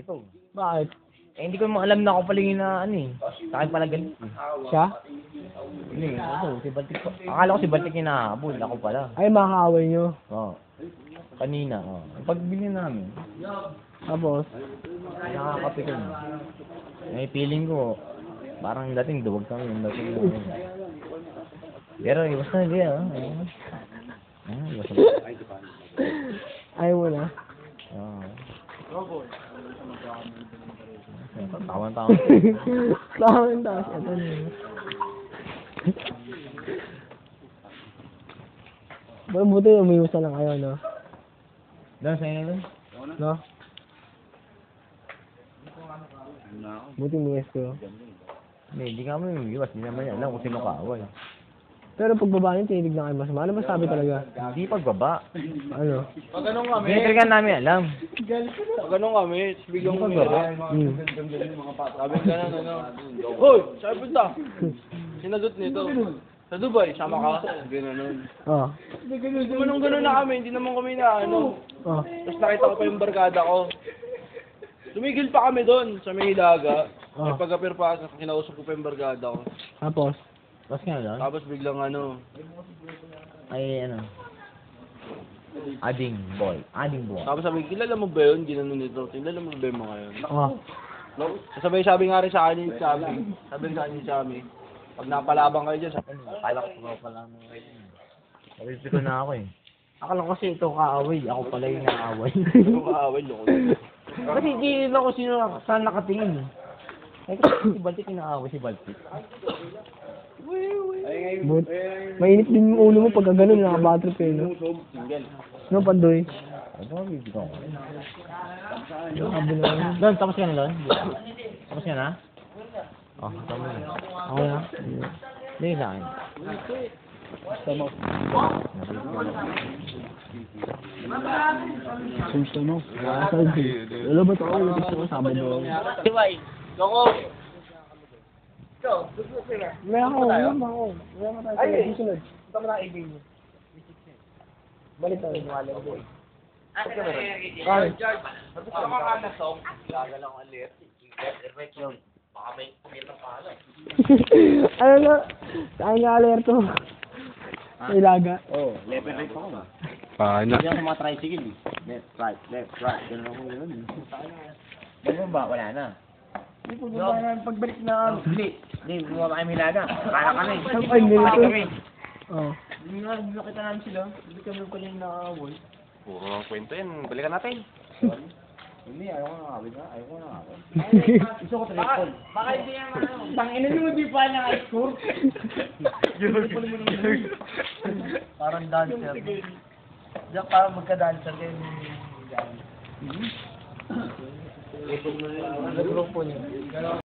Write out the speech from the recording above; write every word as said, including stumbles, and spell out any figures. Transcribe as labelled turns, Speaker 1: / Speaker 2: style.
Speaker 1: ito.
Speaker 2: Bakit?
Speaker 1: Eh, hindi ko mo alam na ako pala yung na, ano eh. Sa akin pala galit eh.
Speaker 2: Siya?
Speaker 1: Hindi, ako, si Baltic pa. Akala ko si Baltic yung nakahabol, ako pala.
Speaker 2: Ay, makakaaway nyo.
Speaker 1: Oo. Kanina, oo. Oh. Pagbili namin,
Speaker 2: Tapos?
Speaker 1: nakakapi ko na. May feeling ko, parang dating duwag kami yung dating namin. Pero iwas na hindi ah. Ah, iwas na.
Speaker 2: Ayaw mo na.
Speaker 1: Oo. Tawan-tawan.
Speaker 2: Tawan taas. Ito na yun. Well, buti umiwas na lang kayo, no?
Speaker 1: Doon, sa'yo na doon.
Speaker 2: No? Buti umiwas ko.
Speaker 1: Hindi, hindi ka mo yung iwas. Hindi naman yan. Alam kung sino kaaway.
Speaker 2: Pero pagbaba niyo, tinitig na kayo masama. Ano ba sabi talaga?
Speaker 1: Hindi pagbaba.
Speaker 2: Ano?
Speaker 3: Pag ganun kami,
Speaker 1: Hindi talaga namin alam.
Speaker 3: pag ganun kami, biglang
Speaker 1: Hindi
Speaker 3: umira.
Speaker 2: Hmm.
Speaker 3: Sabi ka na, ano, Hoy! Saan punta? Sinadot nito. Sa Dubai, sama ka? Gano'n.
Speaker 2: Oh.
Speaker 3: Gumanong gano'n na kami, hindi naman kami na ano.
Speaker 2: Oh.
Speaker 3: Tapos nakita ko pa yung barkada ko. Tumigil pa kami doon sa may hilaga.
Speaker 2: Oh.
Speaker 3: May pag-apir pa, kinausap ko pa yung barkada ko.
Speaker 2: Tapos?
Speaker 1: Tapos nga doon,
Speaker 3: Tapos biglang ano,
Speaker 1: ay ano, ading boy. Ading boy.
Speaker 3: tapos sabi, kilala mo ba yun? Ginano nito, kilala mo ba yung mga yun?
Speaker 2: Oh.
Speaker 3: Sabay sabi nga rin sa akin yung Chami. Sabi sa akin yung Chami. Pag napalabang kayo dyan, sabi,
Speaker 1: Kala ko pala mo kayo. Sabi ko na ako eh. Akala ko kasi ito kaaway. Ako pala yung nakaaway.
Speaker 3: ano kaaway, loko.
Speaker 1: Kasi hindi na ko sino saan nakatingin eh. Eh kasi si Baltic yung nakaaway si Baltic.
Speaker 2: But, mainit din yung ulo mo pagka ganun, nakabatrip kayo, no? No, Pandoy?
Speaker 1: Ano ba bibig ko?
Speaker 2: Sabi na.
Speaker 1: Doon, tapos ka na doon? Tapos ka na? Oh, tama na.
Speaker 2: Ako na?
Speaker 1: Hindi sa akin.
Speaker 2: Tama. Gusto mo? Wala ba ito? Gusto ko sabi mo.
Speaker 3: Diway, loko.
Speaker 2: May ako, may ako. May ako tayo. Ay, susunod.
Speaker 3: Ito mo na ibig mo.
Speaker 2: Balik tayo.
Speaker 3: Ay,
Speaker 2: Ay.
Speaker 3: Sabi ko mga nasong, laga lang ang alert. Perfect yun. Baka may kumita pa lang.
Speaker 2: Ano na? Saan nga alerto? Sa ilaga.
Speaker 1: Oh, level right ako ba?
Speaker 4: Paano?
Speaker 1: Hindi ako sa mga tricycle eh. Left, right, left, right. Ganun ako ganun eh. Ganun ba? Wala na. Hindi po ba na pagbalik na hindi. Hindi, bumaba kami hilaga. Para kami.
Speaker 2: Ay, hindi
Speaker 1: Para
Speaker 2: ito.
Speaker 1: kami.
Speaker 2: Oh.
Speaker 1: Hindi nga, hindi nakita namin sila. Hindi kami pala yung nakaaway.
Speaker 4: Puro ang kwento yan. Balikan natin.
Speaker 1: Hindi, ayaw ko nakawin na. Ayaw ko nakawin. Gusto ko triple.
Speaker 3: Baka hindi yan ano.
Speaker 1: Tangina mo, di pa na high score.
Speaker 3: Parang dancer. Diyan parang magka-dancer kayo.
Speaker 2: Nag-grupo niya.